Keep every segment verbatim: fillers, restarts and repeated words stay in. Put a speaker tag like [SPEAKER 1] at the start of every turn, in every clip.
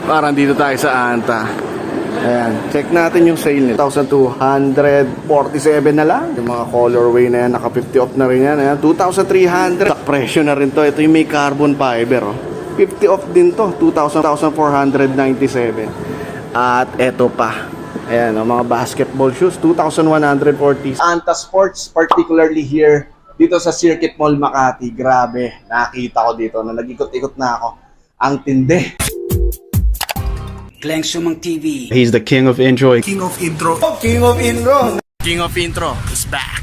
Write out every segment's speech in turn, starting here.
[SPEAKER 1] Parang dito tayo sa Anta. Ayan, check natin yung sale nila. one thousand two hundred forty-seven na lang. Yung mga colorway na yan, naka fifty off na rin yan. Ayan, two thousand three hundred. Sa presyo na rin to. Ito yung may carbon fiber. Oh. fifty off din to. two thousand four hundred ninety-seven. At eto pa. Ayan, oh, mga basketball shoes. two thousand one hundred forty. Anta Sports, particularly here. Dito sa Circuit Mall Makati. Grabe, nakita ko dito na nag-ikot-ikot na ako. Ang tindi.
[SPEAKER 2] Glenn Sumang T V.
[SPEAKER 1] He's the king of enjoy.
[SPEAKER 3] King of intro.
[SPEAKER 1] Oh, king of intro. King of intro is back.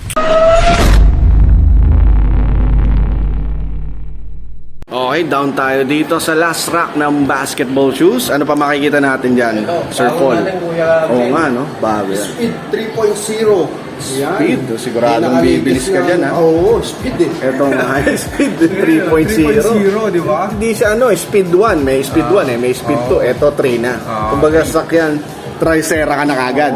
[SPEAKER 1] Okay, down tayo dito sa last rack ng basketball shoes. Ano pa makikita natin dyan, Sir Paul? Oo nga, no? Bago yan.
[SPEAKER 3] Speed three point oh.
[SPEAKER 1] Speed? Siguradong bibilis ka dyan, ha?
[SPEAKER 3] Oo, speed eh.
[SPEAKER 1] Ito nga, speed three point oh.
[SPEAKER 3] three point oh, di ba?
[SPEAKER 1] Hindi siya ano, speed one. May speed one eh, may speed two. Ito three na. Kumbaga sakyan, Tricera ka na kagad.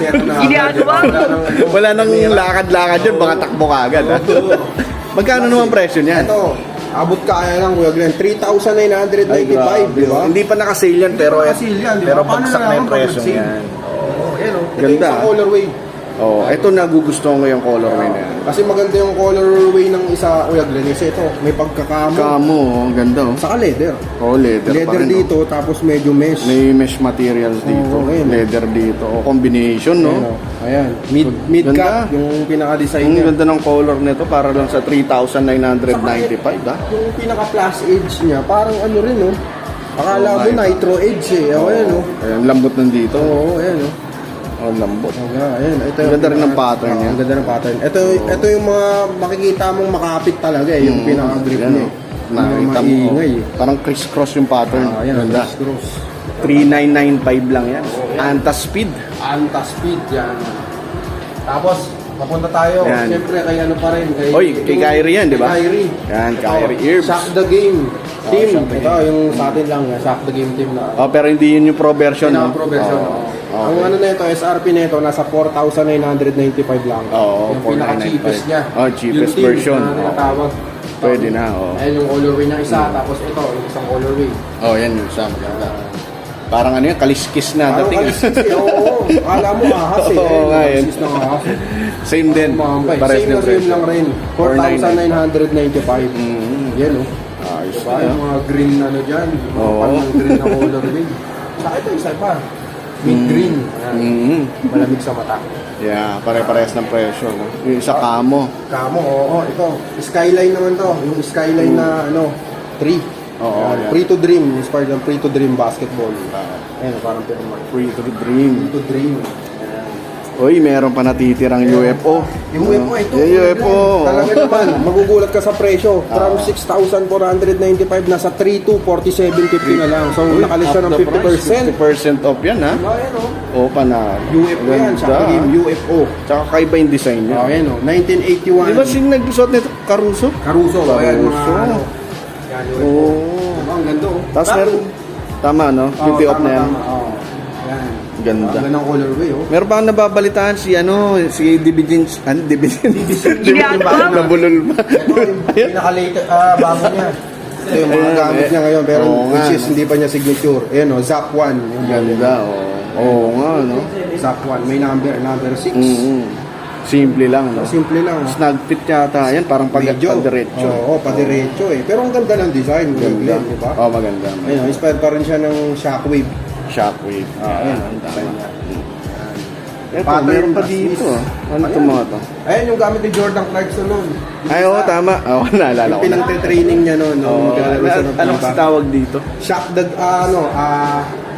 [SPEAKER 1] Wala nang lakad-lakad yun, baka takbo ka agad. Magkano naman presyo niyan?
[SPEAKER 3] Ito, abot kaya lang, Kuya Glenn, three thousand nine hundred ninety-five, di ba?
[SPEAKER 1] Hindi pa naka-sale yan, pero
[SPEAKER 3] Naka-sale yan, di ba?
[SPEAKER 1] pero
[SPEAKER 3] Paano
[SPEAKER 1] bagsak na yung
[SPEAKER 3] nalaman
[SPEAKER 1] presyo
[SPEAKER 3] pag nag-sale?
[SPEAKER 1] yan.
[SPEAKER 3] Oh, yan oh. Ito
[SPEAKER 1] Ganda.
[SPEAKER 3] yung colorway.
[SPEAKER 1] Oh, ito nagugustuhan ko yung colorway na yan.
[SPEAKER 3] Kasi maganda yung colorway ng isa, Kuya Glenn. Kasi ito, may pagkakamo.
[SPEAKER 1] Kamo, oh, ang ganda oh.
[SPEAKER 3] Saka leather.
[SPEAKER 1] Oh, leather, pa
[SPEAKER 3] Leather
[SPEAKER 1] rin,
[SPEAKER 3] dito, tapos medyo mesh.
[SPEAKER 1] May mesh materials dito,
[SPEAKER 3] Oo, ayun.
[SPEAKER 1] leather dito, oh, combination, no?
[SPEAKER 3] Ayan, oh. Ayan. Mid, mid
[SPEAKER 1] Ganda.
[SPEAKER 3] cut, yung pinaka-design
[SPEAKER 1] Ang
[SPEAKER 3] niya.
[SPEAKER 1] ganda ng color nito para lang sa three thousand nine hundred ninety-five, ah.
[SPEAKER 3] Yung pinaka-plus edge niya, parang ano rin, oh.
[SPEAKER 1] Oo,
[SPEAKER 3] Akala mo
[SPEAKER 1] nga,
[SPEAKER 3] nitro edge eh. Oh, ayan, oh.
[SPEAKER 1] Ayan, lambot nandito.
[SPEAKER 3] Oo, ayan, oh.
[SPEAKER 1] Oh, lambot.
[SPEAKER 3] Okay, ayan. Ito
[SPEAKER 1] Ang
[SPEAKER 3] yung
[SPEAKER 1] ganda rin ng
[SPEAKER 3] pinaka-
[SPEAKER 1] pattern
[SPEAKER 3] Oo,
[SPEAKER 1] niya.
[SPEAKER 3] Ang ganda ng pattern. Ito, ito yung mga makikita mong makapit talaga eh. Yung
[SPEAKER 1] Mm,
[SPEAKER 3] pinaka-grip
[SPEAKER 1] yan,
[SPEAKER 3] niya.
[SPEAKER 1] oh.
[SPEAKER 3] Yung
[SPEAKER 1] Nakita mo,
[SPEAKER 3] maingay
[SPEAKER 1] oh.
[SPEAKER 3] eh.
[SPEAKER 1] Parang criss-cross yung pattern.
[SPEAKER 3] Ah, ayan,
[SPEAKER 1] Ganda.
[SPEAKER 3] cross.
[SPEAKER 1] three nine nine five lang yan. Anta Speed.
[SPEAKER 3] Anta speed yan. Tapos, papunta tayo.
[SPEAKER 1] Yan.
[SPEAKER 3] Siyempre, kay ano pa rin. Kay,
[SPEAKER 1] Oy, kay Kyrie yan, di ba?
[SPEAKER 3] Kay Kyrie.
[SPEAKER 1] Yan,
[SPEAKER 3] Ito,
[SPEAKER 1] Kyrie Irvs.
[SPEAKER 3] Shock the game
[SPEAKER 1] Oh,
[SPEAKER 3] team.
[SPEAKER 1] Shock the
[SPEAKER 3] Ito, yung sa atin lang. Shock the game team na.
[SPEAKER 1] Oh, pero hindi yun yung pro version, no?
[SPEAKER 3] Pinaka-pro version.
[SPEAKER 1] Oh,
[SPEAKER 3] Oh. Ang
[SPEAKER 1] okay.
[SPEAKER 3] ano na ito, S R P na ito, nasa four thousand nine hundred ninety-five lang.
[SPEAKER 1] Oo,
[SPEAKER 3] yung
[SPEAKER 1] four thousand nine hundred
[SPEAKER 3] pinaka-cheapest
[SPEAKER 1] ninety-five.
[SPEAKER 3] niya.
[SPEAKER 1] Oh, cheapest
[SPEAKER 3] Yung team
[SPEAKER 1] version.
[SPEAKER 3] na tinatawag.
[SPEAKER 1] Pwede na, oh.
[SPEAKER 3] Ayan yung colorway niya isa, tapos ito, yung isang colorway.
[SPEAKER 1] Oh, yan yung sa maganda. Parang ano yan, kaliskis na
[SPEAKER 3] Parang
[SPEAKER 1] dating.
[SPEAKER 3] kaliskis eh, oo. Akala mo ahas eh.
[SPEAKER 1] Oo,
[SPEAKER 3] Ayun,
[SPEAKER 1] nga, yun.
[SPEAKER 3] kaliskis ng ahas.
[SPEAKER 1] Same din.
[SPEAKER 3] Mambay.
[SPEAKER 1] Pares
[SPEAKER 3] Same
[SPEAKER 1] ng
[SPEAKER 3] na same
[SPEAKER 1] presyo.
[SPEAKER 3] lang rin. four thousand nine hundred ninety-five.
[SPEAKER 1] Mm.
[SPEAKER 3] Yan oh.
[SPEAKER 1] Ayos
[SPEAKER 3] Diba?
[SPEAKER 1] na.
[SPEAKER 3] Yung mga green ano dyan. Yung mga
[SPEAKER 1] Oo.
[SPEAKER 3] panang green na colorway. Saka ito, isa pa. Mid green. Ayan.
[SPEAKER 1] Mm.
[SPEAKER 3] Malamig sa mata.
[SPEAKER 1] Yeah, pare-parehas ng presyo. No? Yung isa kamo.
[SPEAKER 3] Kamo, oo. Ito, skyline naman to. Yung skyline na ano, three.
[SPEAKER 1] Oo, yan.
[SPEAKER 3] Free to dream. Inspired ng free to dream basketball.
[SPEAKER 1] Ah,
[SPEAKER 3] Ayan, parang pinamag.
[SPEAKER 1] free to dream.
[SPEAKER 3] Free to dream.
[SPEAKER 1] Uy, meron pa natitirang U F O.
[SPEAKER 3] Yung U F O, ito.
[SPEAKER 1] Yung U F O.
[SPEAKER 3] Talaga naman, magugulat ka sa presyo. From six thousand four hundred ninety-five, nasa three to forty-seven fifty na lang. So, nakalis siya ng fifty percent.
[SPEAKER 1] fifty percent off yan, ha?
[SPEAKER 3] Ayan, oh.
[SPEAKER 1] O, panalo.
[SPEAKER 3] U F O yan, sa game, U F O.
[SPEAKER 1] Tsaka kaiba yung design niya.
[SPEAKER 3] Oh, ayan, oh. nineteen eighty-one.
[SPEAKER 1] Di ba sing nagsuot nito? Caruso?
[SPEAKER 3] Caruso, oh, ayan, mga
[SPEAKER 1] Caruso.
[SPEAKER 3] ano. Yan, U F O.
[SPEAKER 1] Oo.
[SPEAKER 3] Diba, ang ganda, oh.
[SPEAKER 1] Tapos
[SPEAKER 3] Bago.
[SPEAKER 1] meron, tama, no?
[SPEAKER 3] Oo,
[SPEAKER 1] fifty off
[SPEAKER 3] tama,
[SPEAKER 1] na yan.
[SPEAKER 3] tama, oo. Yan.
[SPEAKER 1] Ganda.
[SPEAKER 3] Ang gandang colorway, oh.
[SPEAKER 1] Meron pa akong nababalitaan si ano, si Division, ano, Division? Nabulol pa.
[SPEAKER 3] Ito yung pinaka-late, ah, bago niya. Ito yung mga
[SPEAKER 1] Ayan,
[SPEAKER 3] gamit
[SPEAKER 1] eh.
[SPEAKER 3] niya ngayon, pero
[SPEAKER 1] Oo nga,
[SPEAKER 3] which is
[SPEAKER 1] no?
[SPEAKER 3] hindi pa niya signature. Ayan, oh, Zap one. Yung
[SPEAKER 1] Ganda, oo. Oo nga, no?
[SPEAKER 3] Zap one. May number, number six.
[SPEAKER 1] Mm-hmm. Simple lang, no?
[SPEAKER 3] Simple lang. oh.
[SPEAKER 1] Snag fit yata yan, parang pag
[SPEAKER 3] Medyo.
[SPEAKER 1] padiretso.
[SPEAKER 3] Oo, oh, padiretso eh. Pero ang ganda ng design,
[SPEAKER 1] Ganda.
[SPEAKER 3] di ba?
[SPEAKER 1] Oh, maganda.
[SPEAKER 3] Ayun, inspired pa rin siya ng Shockwave.
[SPEAKER 1] Shockwave.
[SPEAKER 3] Ah,
[SPEAKER 1] Ayan,
[SPEAKER 3] ayan,
[SPEAKER 1] ang
[SPEAKER 3] design
[SPEAKER 1] tama.
[SPEAKER 3] niya.
[SPEAKER 1] Ito,
[SPEAKER 3] Pattern
[SPEAKER 1] meron pa
[SPEAKER 3] as
[SPEAKER 1] dito.
[SPEAKER 3] is.
[SPEAKER 1] ah. Ano
[SPEAKER 3] Ayan.
[SPEAKER 1] itong mga to?
[SPEAKER 3] Ayun yung gamit ni Jordan Clarkson noon.
[SPEAKER 1] Ay, oo, tama. Oo, naalala ko na.
[SPEAKER 3] Pinang-training niya noon.
[SPEAKER 1] Oo,
[SPEAKER 3] nung maglalaro siya ng
[SPEAKER 1] anong
[SPEAKER 3] FIBA.
[SPEAKER 1] kasi tawag dito?
[SPEAKER 3] Shock the, ah, ano, ah,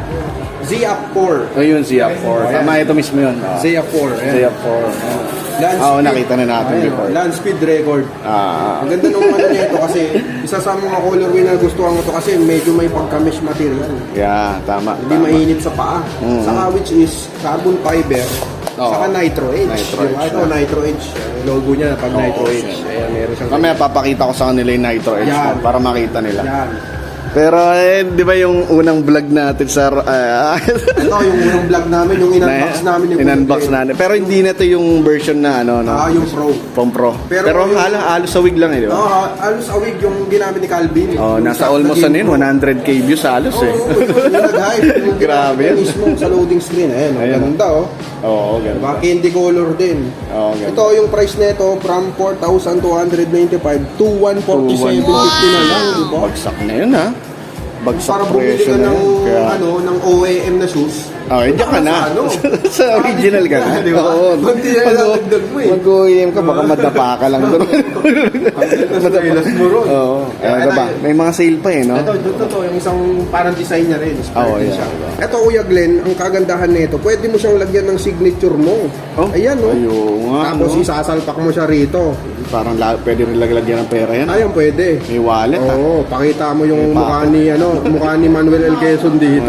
[SPEAKER 3] Z-Up four.
[SPEAKER 1] Oh, yun, Z F four.
[SPEAKER 3] Ayan.
[SPEAKER 1] Tama, ito mismo yun. Ah.
[SPEAKER 3] Z-Up four.
[SPEAKER 1] Z F four.
[SPEAKER 3] Land
[SPEAKER 1] Oo,
[SPEAKER 3] speed.
[SPEAKER 1] nakita na natin
[SPEAKER 3] Ayan,
[SPEAKER 1] before.
[SPEAKER 3] Land speed record.
[SPEAKER 1] Ah,
[SPEAKER 3] Ang ganda nung ano niya ito kasi isa sa mga colorway na gustuhan ko to kasi medyo may pagka-mesh material.
[SPEAKER 1] yeah, tama.
[SPEAKER 3] Hindi
[SPEAKER 1] tama.
[SPEAKER 3] mainit sa paa.
[SPEAKER 1] Mm.
[SPEAKER 3] Saka which is carbon fiber.
[SPEAKER 1] Oo.
[SPEAKER 3] Saka nitro edge.
[SPEAKER 1] Nitro
[SPEAKER 3] Yung
[SPEAKER 1] edge
[SPEAKER 3] ito,
[SPEAKER 1] na.
[SPEAKER 3] nitro edge. Yung logo niya pag
[SPEAKER 1] Oo,
[SPEAKER 3] nitro edge.
[SPEAKER 1] siya.
[SPEAKER 3] Ayan, meron siyang
[SPEAKER 1] Mamaya papakita ko sa kanila yung Nitro Edge
[SPEAKER 3] Yan.
[SPEAKER 1] para makita nila.
[SPEAKER 3] Yan.
[SPEAKER 1] Pero eh, di ba yung unang vlog natin sa... ah,
[SPEAKER 3] Ito yung unang vlog namin, yung in-unbox namin yung
[SPEAKER 1] in-unbox natin. Pero hindi na to yung version na ano, no?
[SPEAKER 3] Ah, yung Pro.
[SPEAKER 1] Pong Pro. Pero,
[SPEAKER 3] Pero yung-
[SPEAKER 1] halos, halos sa wig lang eh, di ba?
[SPEAKER 3] Oo, oh, halos a week yung ginamit ni Calvin.
[SPEAKER 1] Oh,
[SPEAKER 3] Yung
[SPEAKER 1] nasa
[SPEAKER 3] sa-
[SPEAKER 1] almost
[SPEAKER 3] sa
[SPEAKER 1] ano
[SPEAKER 3] Game
[SPEAKER 1] yun,
[SPEAKER 3] Pro.
[SPEAKER 1] one hundred K views halos eh.
[SPEAKER 3] Oo, yung nag-hype. Yung
[SPEAKER 1] Grabe
[SPEAKER 3] ginamit
[SPEAKER 1] yun.
[SPEAKER 3] mismo sa loading screen. Ayan, oh,
[SPEAKER 1] Ayan.
[SPEAKER 3] ganda oh.
[SPEAKER 1] Oo, ganun.
[SPEAKER 3] Diba? Candy color din.
[SPEAKER 1] Oo, ganun.
[SPEAKER 3] Ito yung price nito from four thousand two hundred ninety-five to one forty-seven fifty na lang, di ba?
[SPEAKER 1] Bagsak na yun ha. Bagsak
[SPEAKER 3] Para bumili
[SPEAKER 1] presyo
[SPEAKER 3] ka
[SPEAKER 1] na
[SPEAKER 3] ng,
[SPEAKER 1] yun. Kaya,
[SPEAKER 3] ano, ng O E M na shoes.
[SPEAKER 1] oh, eh, diyan ka na.
[SPEAKER 3] Sa ano?
[SPEAKER 1] Sa original ka na.
[SPEAKER 3] Di ba?
[SPEAKER 1] Oo.
[SPEAKER 3] Kunti na
[SPEAKER 1] Mag-
[SPEAKER 3] dadagdag mo eh.
[SPEAKER 1] Mag-O E M ka, baka madapa ka lang doon.
[SPEAKER 3] Sa ilas mo ron.
[SPEAKER 1] Oo. Ano ba? May mga sale pa eh, no?
[SPEAKER 3] Ito, ito, ito, yung isang parang design niya rin. Inspired
[SPEAKER 1] Oo,
[SPEAKER 3] din
[SPEAKER 1] yeah.
[SPEAKER 3] siya. Ito, Kuya Glenn, ang kagandahan nito, pwede mo siyang lagyan ng signature mo.
[SPEAKER 1] Oh,
[SPEAKER 3] Ayan, no?
[SPEAKER 1] ayun nga,
[SPEAKER 3] Tapos
[SPEAKER 1] no?
[SPEAKER 3] isasalpak mo siya rito.
[SPEAKER 1] Parang la- pwede rin lagyan ng pera yan.
[SPEAKER 3] Ayan, pwede.
[SPEAKER 1] May wallet ha.
[SPEAKER 3] Oo, pakita mo yung
[SPEAKER 1] May
[SPEAKER 3] mukha
[SPEAKER 1] pako.
[SPEAKER 3] ni, ano, mukha ni Manuel L. Quezon dito.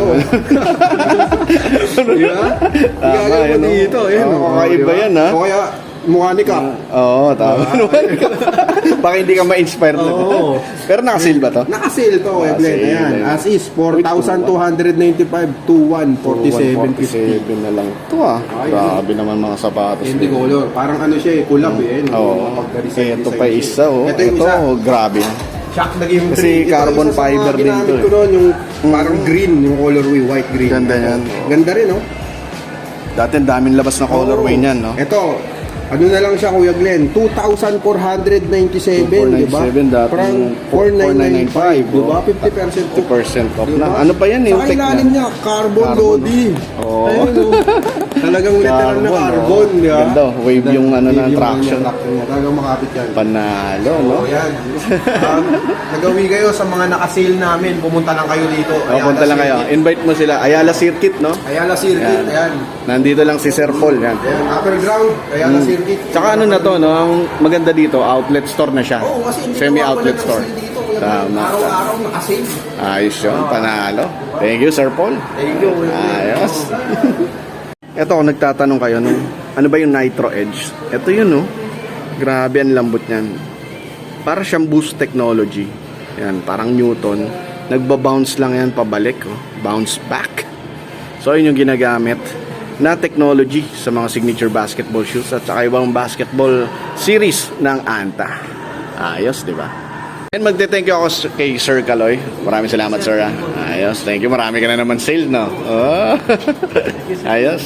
[SPEAKER 3] Di ba?
[SPEAKER 1] Tama,
[SPEAKER 3] Gagawin mo
[SPEAKER 1] yun, no?
[SPEAKER 3] dito. Ayan,
[SPEAKER 1] Oo,
[SPEAKER 3] oh,
[SPEAKER 1] kakaiba
[SPEAKER 3] di ba?
[SPEAKER 1] yan, ha?
[SPEAKER 3] O kaya, mukha ni Cap.
[SPEAKER 1] Oo, tama naman. Baka hindi ka ma-inspire na.
[SPEAKER 3] Oo.
[SPEAKER 1] Pero naka-sale ba to?
[SPEAKER 3] Naka-sale to, Kuya Glenn.
[SPEAKER 1] Naka-sale,
[SPEAKER 3] Ayan,
[SPEAKER 1] ayan.
[SPEAKER 3] as is, four thousand two hundred ninety-five to one forty-seven fifty.
[SPEAKER 1] one forty-seven na lang. Ito ah.
[SPEAKER 3] Ay,
[SPEAKER 1] Grabe naman mga sapatos.
[SPEAKER 3] Hindi color. Parang ano siya eh, collab eh. no?
[SPEAKER 1] Oo.
[SPEAKER 3] Pagka-design-
[SPEAKER 1] Ito
[SPEAKER 3] design
[SPEAKER 1] pa
[SPEAKER 3] siya.
[SPEAKER 1] isa oh.
[SPEAKER 3] Ito yung
[SPEAKER 1] Ito,
[SPEAKER 3] isa.
[SPEAKER 1] oh, grabe.
[SPEAKER 3] Shock na game
[SPEAKER 1] Kasi
[SPEAKER 3] three. Ito
[SPEAKER 1] carbon
[SPEAKER 3] isa sa mga
[SPEAKER 1] fiber din
[SPEAKER 3] ginamit
[SPEAKER 1] to, eh.
[SPEAKER 3] ko noon, yung parang green, yung colorway, white green.
[SPEAKER 1] Ganda yan.
[SPEAKER 3] Ganda rin, no?
[SPEAKER 1] Dati ang daming labas na colorway
[SPEAKER 3] Oo.
[SPEAKER 1] niyan, no?
[SPEAKER 3] Ito, ano na lang siya, Kuya Glenn? two thousand four hundred ninety-seven, di ba?
[SPEAKER 1] two thousand four hundred ninety-seven, dati
[SPEAKER 3] Parang
[SPEAKER 1] four
[SPEAKER 3] four thousand nine hundred ninety-five, di ba?
[SPEAKER 1] oh.
[SPEAKER 3] fifty percent
[SPEAKER 1] fifty percent off
[SPEAKER 3] Diba?
[SPEAKER 1] na. Ano pa yan? Yung
[SPEAKER 3] Sa
[SPEAKER 1] tech
[SPEAKER 3] ilalim
[SPEAKER 1] na?
[SPEAKER 3] niya, carbon,
[SPEAKER 1] Carbon,
[SPEAKER 3] body.
[SPEAKER 1] Oo.
[SPEAKER 3] Ayun, oh. Talagang literal na
[SPEAKER 1] Carbon,
[SPEAKER 3] carbon,
[SPEAKER 1] oh.
[SPEAKER 3] di ba?
[SPEAKER 1] Ganda, wave yung ano na,
[SPEAKER 3] Wave yung
[SPEAKER 1] traction.
[SPEAKER 3] traction niya. Talagang makapit yan.
[SPEAKER 1] Panalo, no?
[SPEAKER 3] Oh, yan. Um, nagawi kayo sa mga naka-sale namin. Pumunta lang kayo dito.
[SPEAKER 1] O, punta lang kayo. Invite mo sila. Ayala Circuit, no?
[SPEAKER 3] Ayala Circuit. Ayan.
[SPEAKER 1] Nandito lang si Sir Paul, yan.
[SPEAKER 3] Ayan. Upper ground. Ayala Circuit.
[SPEAKER 1] Tsaka ano na to, no? Ang maganda dito, outlet store na siya.
[SPEAKER 3] Oo, kasi hindi
[SPEAKER 1] Semi-outlet
[SPEAKER 3] mawawala ng
[SPEAKER 1] store.
[SPEAKER 3] sale dito. Kuya.
[SPEAKER 1] Tama.
[SPEAKER 3] Araw-araw naka-sale.
[SPEAKER 1] Ayos yun, panalo. Thank you, Sir Paul.
[SPEAKER 3] Thank you.
[SPEAKER 1] Ayos. Ito, kung nagtatanong kayo, no? Ano ba yung Nitro Edge? Ito yun, no? Grabe ang lambot niyan. Para siyang boost technology. Yan, parang Newton. Nagba-bounce lang yan pabalik, oh. Bounce back. So, yun yung ginagamit na technology sa mga signature basketball shoes at saka ibang basketball series ng Anta. Ayos, di ba? And magte-thank you ako kay Sir Kaloy. Maraming salamat, sir. ah. Ayos, thank you. Marami ka na naman sale, no? Oh. Ayos.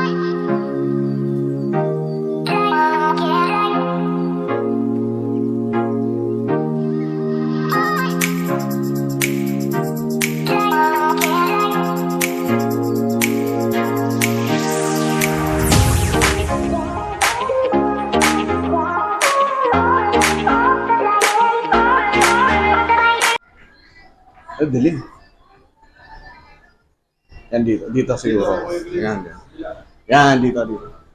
[SPEAKER 1] Ay, dilim. Yan dito. Dito siguro. Yan, yan. Yan, dito, dito.